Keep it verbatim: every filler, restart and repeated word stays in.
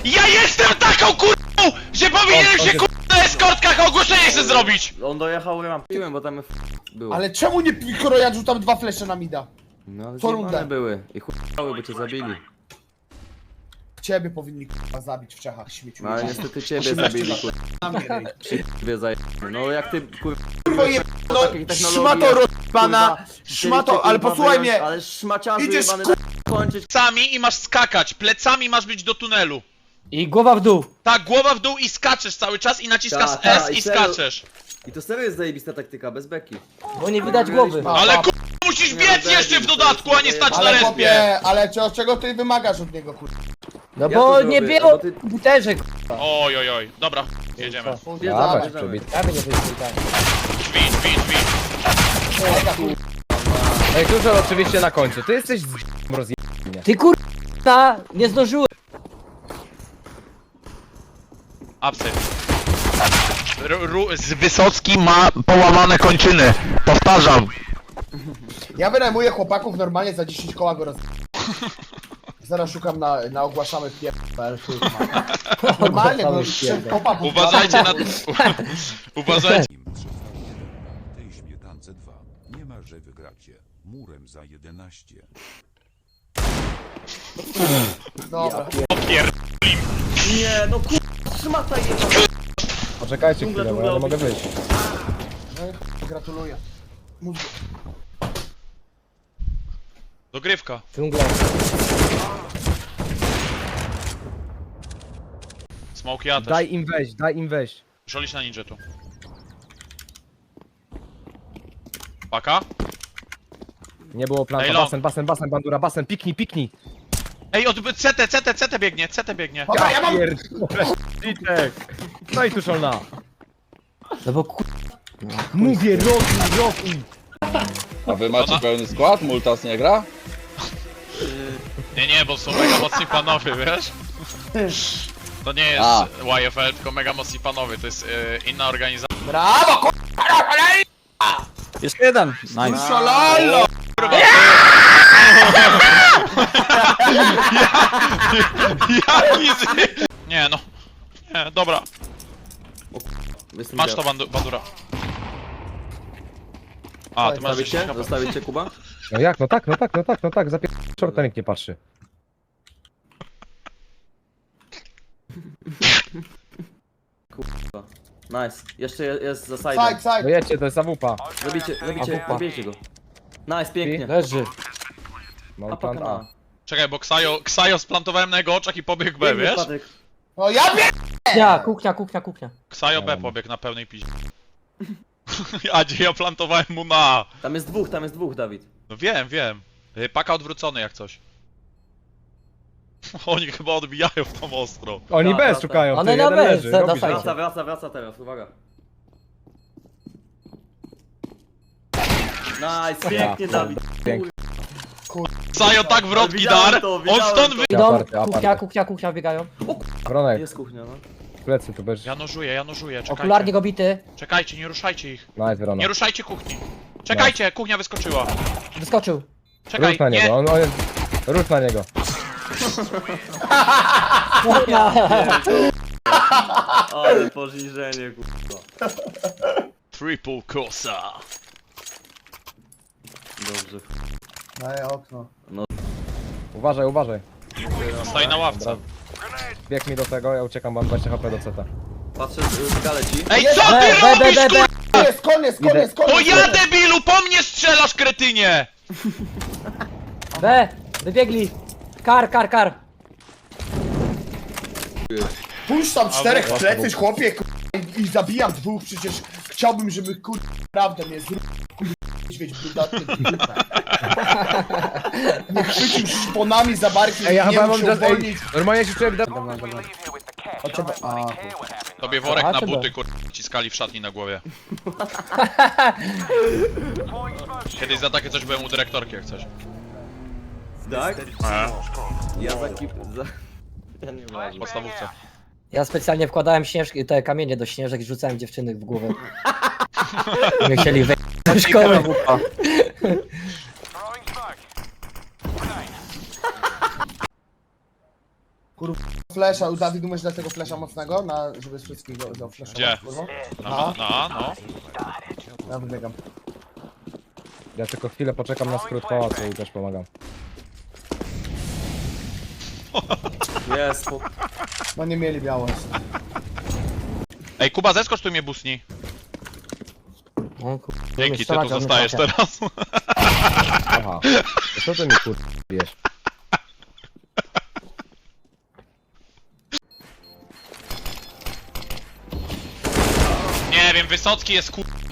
Ja jestem taką kurwą, że powinienem się kurwa na eskortkach ogłoszenie chcę zrobić! On dojechał rampem, bo tam było. Ale czemu nie pikoro, ja rzucam dwa flesze na mida? No ale co zjebane rundę. były i chujały, bo cię zabili. Ciebie powinni k***a zabić w Czechach, śmieciu. No ale niestety ciebie zabili, kurwa. Na mnie, rej. Ciebie zajebane. No jak ty, kurwa, Kurwo je... No, takiej technologii szmato jak, rozpana, kurwa, szmato, chcieliście, ale kurwa, posłuchaj wyjąć, mnie! Ale szmaciarzu Idziesz, jebany, kur- da- kończyć. Plecami i masz skakać, plecami masz być do tunelu. I głowa w dół. Tak, głowa w dół i skaczesz cały czas i naciskasz Ta, ta, S i i serio. skaczesz. I to serio jest zajebista taktyka, bez beki. Bo nie widać głowy. A, Ale a, kurwa musisz Nie, biec no, jeszcze w debil, to dodatku, jest a nie stać na Ale respie. chłopie, ale co, czego ty wymagasz od niego, kurwa? No Ja bo to nie zrobię, było bo ty- butelek. Oj, oj, oj. Dobra, jedziemy. Dawaj, Ja bierzemy. bym nie wyjdzie tak. Drzwi, drzwi, drzwi. No i dużo oczywiście na końcu. Ty jesteś z rozje... Ty kurwa, nie zdążyłem. Apsy. Ru, ru, z Wysocki ma połamane kończyny. Powtarzam. Ja wynajmuję chłopaków normalnie za dziesięć koła go roz... Zaraz szukam na, na ogłaszamy pier... Normalnie, bo chłopaków... Uważajcie na... Uważajcie. Tej śmietance dwa. Nie ma, że wygracie. Murem za jedenaście. Dobra. Opier... Nie, no kurwa, szmata jebana. Poczekajcie Dżungla, chwilę, bo ja nie mogę wyjść. No, gratuluję. Mózgu. Dogrywka. Dżungla. Smoke ja też. Daj im wejść, daj im wejść. Szolisz na ninja tu. Paka? Nie było planu. Ej, long. Basen, basen, basen, bandura, basen, piknij, piknij. Ej, od C T, C T, C T biegnie, C T biegnie. Dobra, ja mam... Pierdolę, Witek. No i tu szolna. No bo kur... Mówię, rotuj, rotuj. A wy macie pełny skład? Multas nie gra? Nie, nie, bo są mega mocni panowie, wiesz? To nie jest A. Y F L, tylko mega mocni panowie, to jest y, inna organizacja. Brawo, kurwa! Jeszcze jeden. Nice. Szalalo! Kurwa, Jaki z... Nie no. Nie, dobra. Jestem Masz dziad. to bandu bandura. A, ty masz Zostawić cię? jeszcze Zostawić cię, Kuba? No jak, no tak, no tak, no tak, no tak, zapier... Shorta nikt nie patrzy. Nice. Jeszcze je- jest za side. Side, side. No jedźcie, to jest zawupa. Zabijcie, zabijcie, A, zabijcie go. Nice, pięknie. Leży. Mam A plan paka A. na. Czekaj, bo Ksajo, Ksajo splantowałem na jego oczach i pobiegł B, Piękny wiesz? wpadek. No ja wiem! Kuchnia, kuchnia, kuchnia, kuchnia. Ksajo B pobiegł na pełnej piździe. A gdzie ja plantowałem mu na A. Tam jest dwóch, tam jest dwóch, Dawid. No wiem, wiem. Y, Paka odwrócony jak coś. Oni chyba odbijają w tą ostro. Oni Ta, bez ta, ta. szukają, One ty, na jeden bez, leży, za- robisz na to. Wraca, wraca, wraca teraz, uwaga. Nice, pięknie, Dawid. Pięknie. Ksajo tak wrotki Widziałem dar, to, on widziałem stąd to. wy... Idą, Aparty, aparty. kuchnia, kuchnia, kuchnia biegają. Bronek, Jest kuchnia, no. plecy tu bez... Ja nożuję, ja nożuję, czekajcie. Okularnie go bity. Czekajcie, nie ruszajcie ich. Nice, Wrona. Nie ruszajcie kuchni. Czekajcie, kuchnia wyskoczyła. Wyskoczył. Czekaj, Rusz na nie. niego, on, on jest... Rusz na niego. Ale poniżenie, kurwa. Triple Cosa. Dobrze. Daję okno. Uważaj, uważaj. Stoi na ławce. Bieg mi do tego, ja uciekam, mam dwadzieścia HP do C T. Patrzę, y, gale ci. Ej, Jest, co B, ty B, B, robisz, B, B. kur... Koniec, koniec, koniec, koniec! To ja debilu, po mnie strzelasz, kretynie! B, wybiegli. Kar, kar, kar. Puść tam czterech A, plecy, chłopie, kur... i, i zabijam dwóch, przecież chciałbym, żeby kur... prawdę mnie zrób, kur... niedźwiedź brudatny. Nie chwycił szponami za barki Ej, ja i nie chyba mógł mam się just... Ej, uwolnić. normalnie się czuję... O ciebie... A, kur... Tobie worek A, na czy buty, kur... ciskali w szatni na głowie. Kiedyś za takie coś byłem u dyrektorki, jak coś. Tak? A, Ja za kip... za... Ja nie w wiem. podstawówce. Ja specjalnie wkładałem śnieżki, te kamienie do śnieżek i rzucałem dziewczyny w głowę. Nie chcieli wejść do szkoły. Flesza, Dawid, umiesz dać tego flesza mocnego, na, żeby wszystkiego do flesza. Gdzie? Kurwa? No, no, no. Ja wybiegam. Ja tylko chwilę poczekam na skrót pałacu i też pomagam. Jest, po... No nie mieli biało. Ej, Kuba, zeskocz tu mnie busni. O, kur... Dzięki, ty strzelać, tu on zostajesz trafia. teraz. Aha. To co ty mi kur... bijesz? Nie wiem, Wysocki jest kur...